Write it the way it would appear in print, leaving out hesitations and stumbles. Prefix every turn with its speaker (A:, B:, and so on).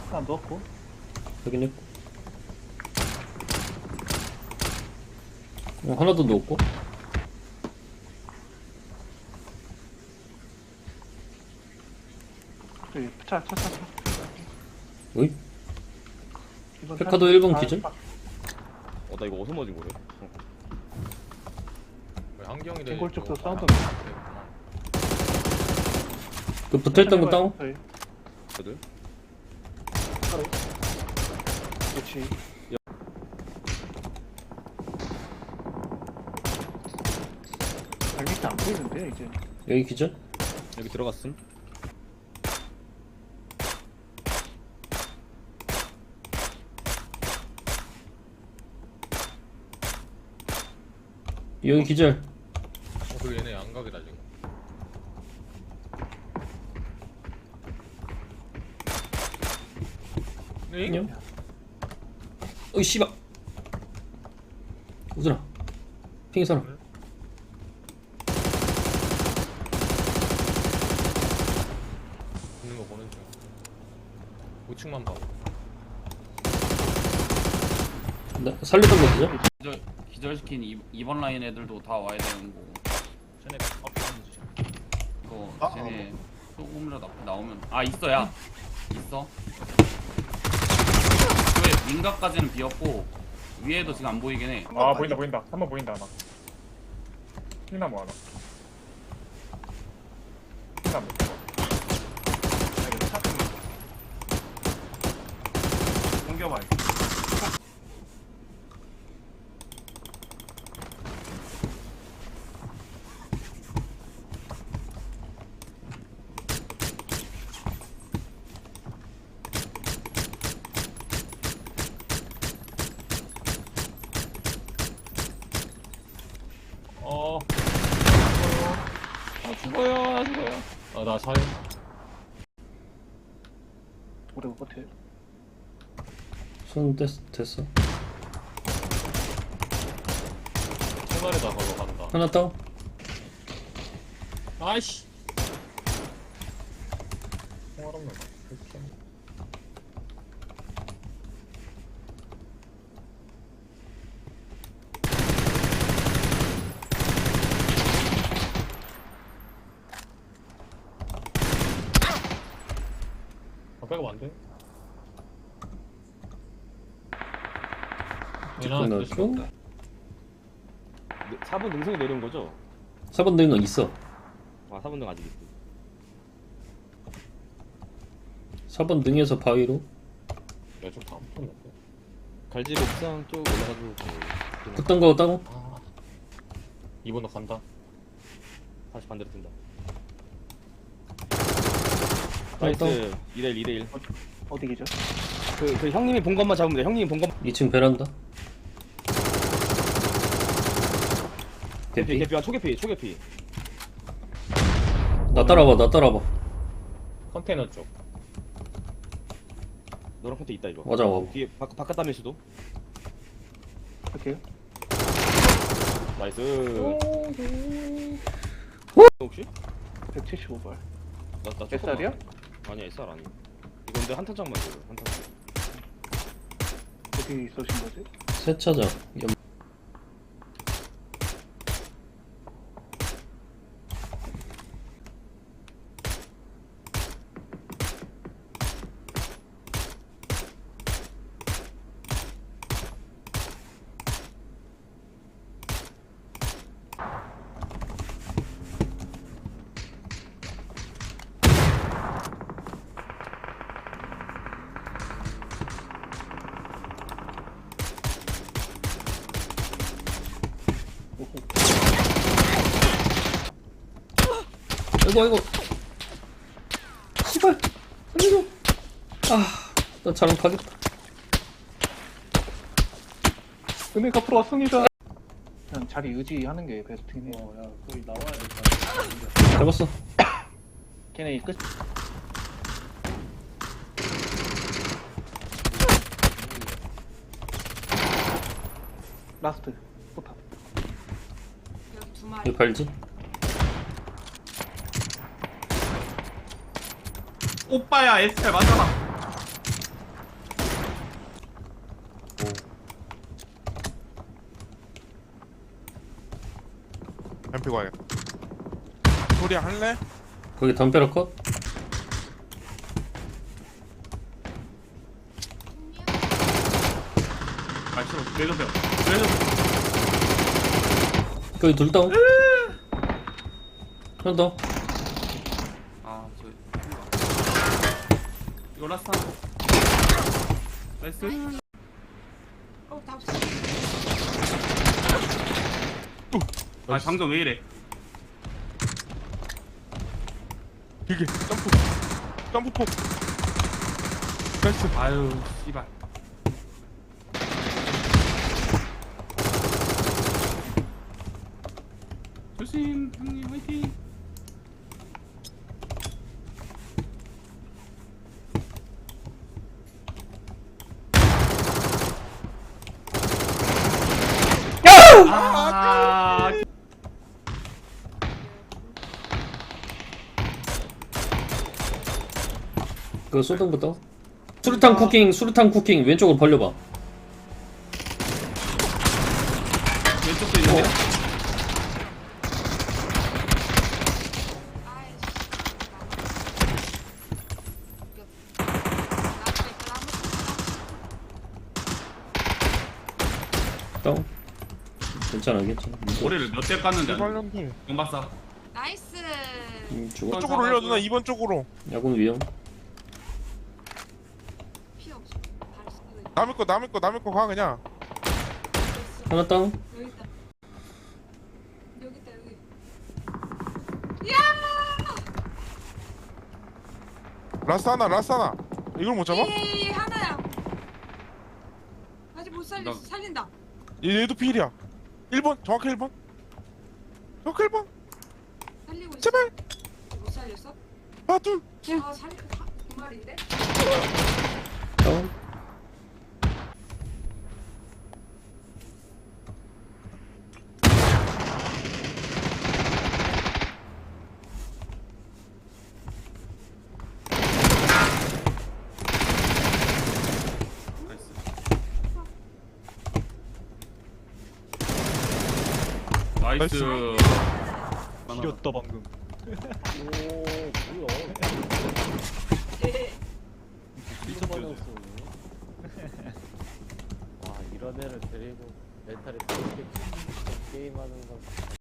A: 안 넣었고.
B: 확인했고. 하나 더 넣었고.
A: 저기 차.
B: 어이?
A: 이번
B: 페카도
A: 차-
B: 1번
A: 아,
B: 기준?
A: 아,
C: 나 이거 어디서 맞은 거래?
D: 한경이도
A: 갱골 쪽도
D: 이거
A: 사운드
D: 하나
B: 그 붙어있던 거 다운?
A: 저희
C: 애들?
A: 차로. 그렇지. 발밑에 안 보이는데 이제.
B: 여기 기준?
C: 여기 들어갔음?
B: 여기 기절.
D: 그 얘네 양각이다 지금. 네?
B: 안녕. 어이 씨발. 우준아. 핑이 사람.
D: 있는 거 보는 중. 우측만 봐.
B: 나 살리던 거 기절?
E: 기절시킨 2번 라인 애들도 다 와야 되는 거고.
D: 쟤네 앞에 지
E: 이거 쟤네 조금이라도 앞에 나오면 있어야 있어. 왜 민가까지는 비었고 위에도 지금 안 보이긴 해.
F: 보인다. 3번 보인다 하나. 흰나무 하나. 흰나무.
A: 옮겨봐.
D: 죽어요. 나 살.
A: 오래 못 버텨.
B: 손 됐어.
D: 총알에다 걸어 간다.
B: 하나 다운.
D: 아이씨.
F: 총알 없는 거. 이렇게.
D: 백업 안 돼?
B: 끝났고.
C: 4번 능선이 내려온 거죠?
B: 4번 되는 건 있어.
C: 4번 능 아직 있어.
B: 4번 등에서 바위로.
D: 야좀다 붙었는데.
C: 갈집 옥상 쪽 올라가지고
B: 붙던 거 다운.
D: 2번도 간다.
C: 다시 반대로 뜬다.
B: 다운.
C: 나이스. 2대1.
A: 어디 계죠?
C: 그 형님이 본 것만 잡으면 돼. 형님이 본 것만.
B: 2층 베란다. 대피.
C: 개피. 초계피.
B: 나 따라봐.
D: 컨테이너 쪽.
C: 너랑 컨테 있다 이거.
B: 맞아.
C: 뒤에 바깥 담일 수도.
A: 할게요.
C: 나이스. 혹시?
A: 175발.
C: 나
A: SR이야?
C: 아니야 SR 아니. 이거 근데 한탄장만 줘요. 한탄장.
A: 어디 쏘신 거지?
B: 세차장. 아이고. 씨발. 살려줘. 나 자랑 가겠다.
A: 은혜가 앞으로 왔습니다. 그냥 자리 유지하는 게 베스트긴 해.
E: 야 거의 나와야 돼.
B: 잡았어.
A: 걔네 끝. 라스트. 포탑.
B: 여기 발지?
E: 오빠야 SR 맞잖아.
G: 들고 와야겠다. 소리 할래?
B: 거기 담벼락 컷?
E: 아 싫어 내려펴 내려펴.
B: 거기 둘 다운. 하나 더.
E: 아저 이거 라스트 나이스. 아 방금 왜 이래?
G: 길게 점프폭. 나이스.
E: 아유 씨발. 조심 형님 화이팅. 아
B: 그 소등부터. 수류탄 쿠킹 왼쪽으로 벌려봐.
E: 왼쪽도 있는데.
B: 다운. 괜찮아.
E: 머리를 몇 대 깠는데 안
G: 발령들.
E: 영박사.
H: 나이스.
B: 죽어.
G: 쪽으로 올려 누나 2번 쪽으로.
B: 야군 위험.
H: 피 없어.
G: 남의 거 가 그냥.
B: 하나 다운.
H: 여기 있다. 여기 있다 여기.
G: 라스 하나. 이걸 못 잡아?
H: 이 하나야. 아직 못 살렸어.
E: 나-
H: 살린다.
G: 얘도 필이야. 1번 정확히 1번. 정확히 1번.
H: 살리고 있어.
G: 제발.
H: 못 살렸어?
G: 아 둘.
H: 아 살렸. 두 마리인데?
B: 다운.
E: 나이스.
F: 이겼다 방금.
I: 와 이런 애를 데리고 멘탈이 게임하는 건